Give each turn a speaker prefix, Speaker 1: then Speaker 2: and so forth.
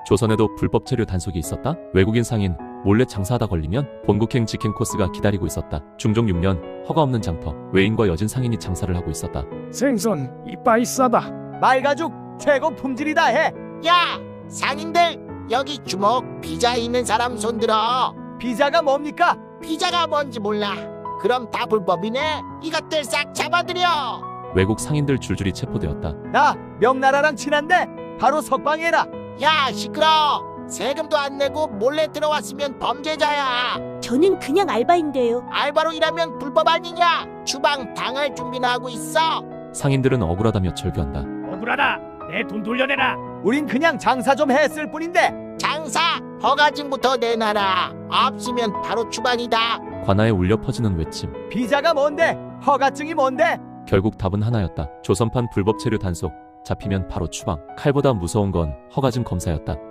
Speaker 1: 조선에도 불법 체류 단속이 있었다. 외국인 상인 몰래 장사하다 걸리면 본국행 직행 코스가 기다리고 있었다. 중종 6년 허가 없는 장터 외인과 여진 상인이 장사를 하고 있었다.
Speaker 2: 생선 이빠이 싸다.
Speaker 3: 말가죽 최고 품질이다 해.
Speaker 4: 야, 상인들 여기 주먹 비자 있는 사람 손들어.
Speaker 3: 비자가 뭡니까?
Speaker 4: 비자가 뭔지 몰라. 그럼 다 불법이네. 이것들 싹 잡아들여.
Speaker 1: 외국 상인들 줄줄이 체포되었다.
Speaker 3: 나 명나라랑 친한데 바로 석방해라.
Speaker 4: 야, 시끄러. 세금도 안 내고 몰래 들어왔으면 범죄자야.
Speaker 5: 저는 그냥 알바인데요.
Speaker 4: 알바로 일하면 불법 아니냐? 주방 당할 준비나 하고 있어.
Speaker 1: 상인들은 억울하다며 절규한다.
Speaker 2: 억울하다. 내 돈 돌려내라.
Speaker 3: 우린 그냥 장사 좀 했을 뿐인데.
Speaker 4: 장사 허가증부터 내놔라. 없으면 바로 추방이다.
Speaker 1: 관아에 울려 퍼지는 외침.
Speaker 3: 비자가 뭔데? 허가증이 뭔데?
Speaker 1: 결국 답은 하나였다. 조선판 불법 체류 단속. 잡히면 바로 추방. 칼보다 무서운 건 허가증 검사였다.